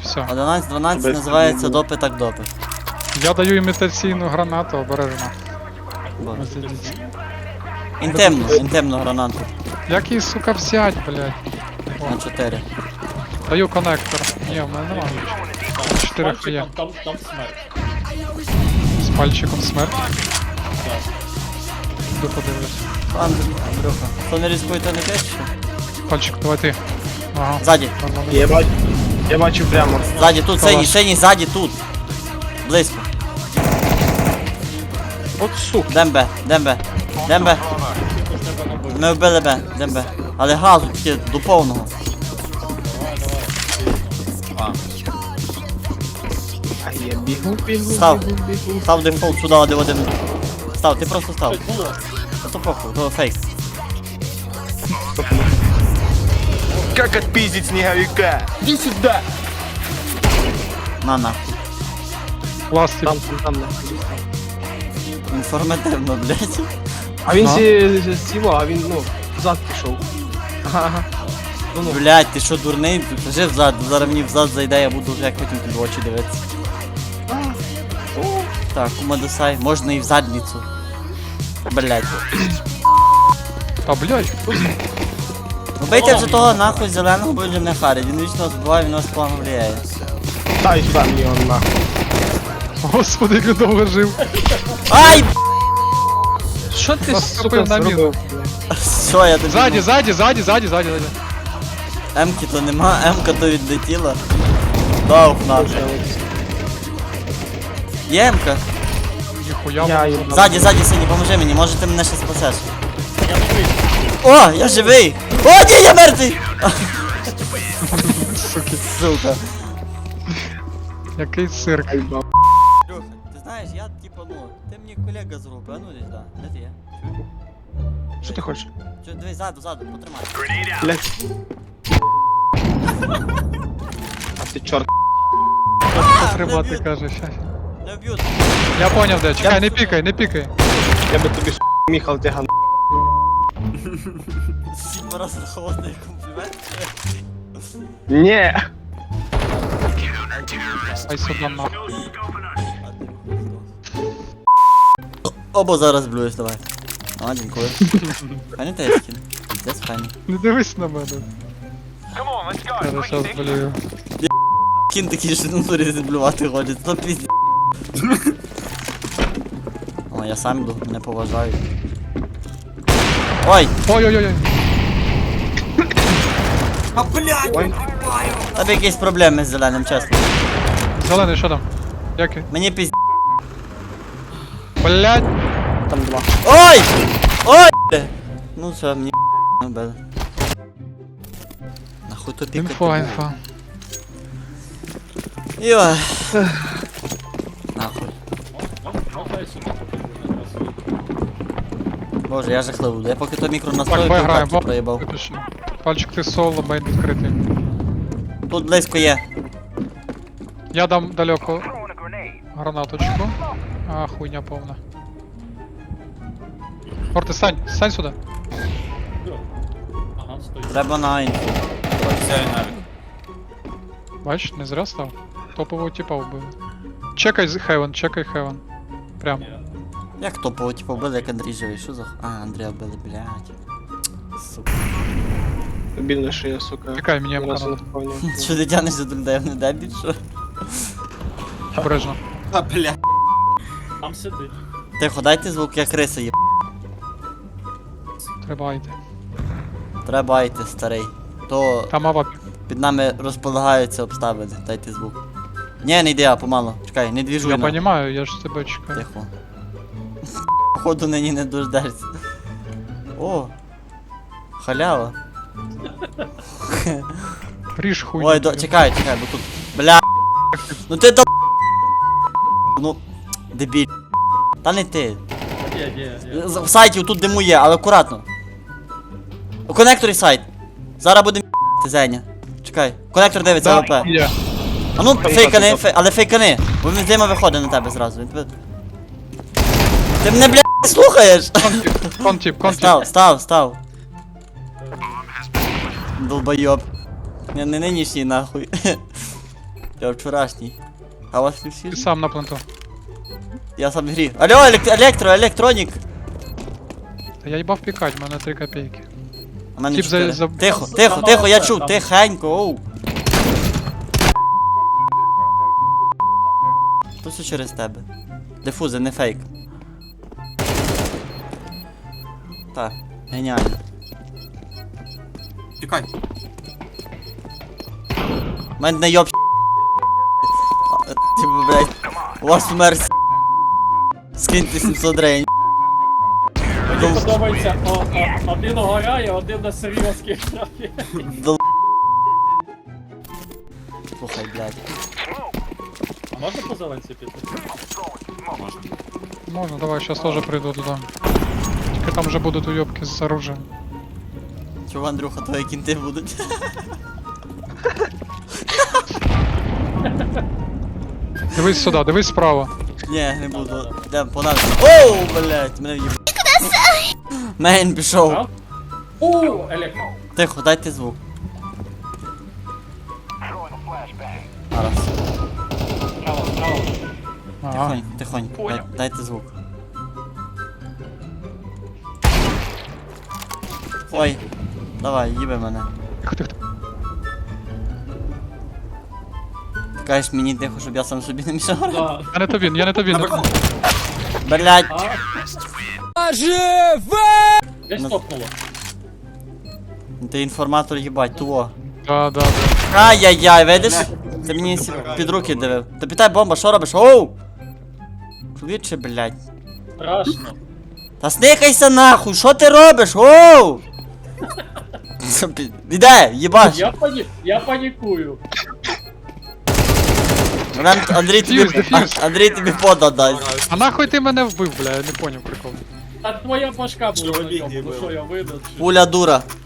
Все. 11-12 Без називається проблем. допи так допи. Я даю імітаційну гранату, обережно. Боже. Ось ідіть. Інтимну гранату. Як її, сука, взять, блядь? На 4. Даю коннектор. Ні, в мене немає нічого. 4 є. Там смерть. З пальчиком смерть. Іду подивлюсь. Андрюха. Хто не ризикує, то не те, що? Пальчик, давай ти. Ага. Ззаді. Я бачу прямо. Ззаді, тут, синій, ззаді, тут. Близько. От сука. Дембе. Ми вбили Б, Дембе. Але газу тільки до повного. А я бігу. Став дефолт сюди, один. Став, ти просто став. То похуй, то фейк. Как отпиздить снеговика? Иди сюда! На. Пластик. Там. Інформативно, блядь. А він Ну. сіло, а він, взад пішов. Ага. Ну. Блядь, ти що дурний? Кажи взад, зараз мені взад зайде, я буду як потім тобі в очі дивитися. Так, кумадосай, можна і в задницю. Блядь. Та, блядь. Убийте вже того нахуй зеленого, бо він не харить. Він вічно збиває, він нас плану влияє. Дай сюди мені он нахуй. Господи, як він довго жив. Ай! Що ти, Наступив на міну. Що я тобі? Ззаді. Емки то нема, Емка то відлетіла. Дав нахуй. Є Емка? Ніхуя. Я воно. їм Ззаді, синій, поможи мені, може ти мене ще спасеш. О, я живий! О, ні, я мертвий! Суки. Сука. Який цирк. Льоха, ти знаєш, я типа, ти мені колега з групи, а ну десь, да. Де ти є? Що ти хочеш? Дивись, ззаду, потримай. Блять. А ти чорт. Потримати, б'ють. каже, щас. Не вб'ють. Я поняв, де. Чекай, не Я- пікай. Я би тобі Міхал тяган. Сігма раз холодний комплімент. Ні. Ай сюди нахуй. Обо зараз блюєш, давай. А, дякую. Файний тескін. Піздець файний. Не дивись на мене. Я щас болію. Кін такий, що на турі зблювати ходить, то пізді. О, я сам йду, мене поважають. Ой! Ой-ой-ой. Ой. Тебе якісь проблеми з зеленим, чесно. Зелений, що там? Який? Мені пізді. Блядь. Там два. Ой! Ой! Ну все, мені не били. Нахуй то пікати. Інфа. Йой. Нахуй. Можна я сюди покажу? Боже, я жахливий. Я поки то мікро Так, настрою, поіграємо. півкатки проїбав. Випиши. Пальчик ти соло, мейн відкритий. Тут близько є. Я дам далеко гранаточку. А, хуйня повна. Форти, стань сюди. Ага, стой. Треба на інфу. Бачиш, не зря став. Топового типа вбив. Чекай Хевен. Прям. Як топово, типу, вбили, як Андрій живий, що за А, Андрія вбили, блядь. Сука. Бідно, що я, сука. Чекай, мені ні разу не М-ка вповнюю. Що ти тянеш за людей, не дебіль, що? обережно. А, бля. Там сидить. Тихо, дайте звук, як криса є. Треба йти. Треба йти, старий. То Там ава. під нами розполагаються обставини, дайте звук. Ні, не йди, а помало. Чекай, не двіжуй. Я на. понімаю, я ж тебе чекаю. Тихо. Походу нині не дождешся. О! Халява. Ріж хуйню. Ой, чекай, бо тут. Бля. Ну ти до. Ну. Дебіль. Та не ти. Є. В сайті тут диму є, але акуратно. У конекторі сайт. Зараз буде Зеня. Чекай. Конектор дивиться АВП. Є. А ну Там фейкани, так, але фейкани. Бо він з дима виходить на тебе зразу. Він тебе. Ти мене, бля, не слухаєш? Контіп. Став. Долбойоб. Не нинішній нахуй. Я вчорашній. А у вас не всі? Ти сам на пленту. Я сам в грі. Алло, електронік. Та я їбав пікать, в мене 3 копійки. У мене Тіп 4. за- Тихо, Там тихо, мало я це, чув, там. тихенько, оу. То все через тебе. Дифузи, не фейк. Так, геніально. Тікай. Мене не йоб. Типу, блядь, у вас вмер скиньте 700 гривень. Мені подобається, один горає, один на серйозки грає. Слухай, блядь. А можна по зеленці піти? Можна, давай, щас теж прийду туди. Тільки там вже будуть уйобки з оружием. Чого, Андрюха, твої кінти будуть? Дивись сюди, дивись справа. Ні, не буду. Йдем, понад. Оу, блядь, мене в'їб. Мейн пішов. А? Електро. Тихо, дайте звук. Зараз. Право, право. Ага. Тихонько, тихонько. Дайте звук. Ой. Давай, їби мене. Тихо, тихо, тихо. Ти кажеш мені тихо, щоб я сам собі не мішав. Да. Я не тобі, я не тобі. Блядь. А? Десь Ну. топнуло. Ти інформатор їбать, туо. Да, да, да. Ай-яй-яй, видиш? Ти мені під руки дивив. Та питай бомба, що робиш? Оу! Швидше, блядь. Страшно. Та сникайся нахуй, що ти робиш? Оу! Іде, їбаш. Я панікую. Андрій тобі, Дефьюз. Андрій тобі пода дасть. А нахуй ти мене вбив, бля, я не поняв прикол. А твоя башка була на Чоловік ньому, ну їбав. що я видав? чи- Пуля дура.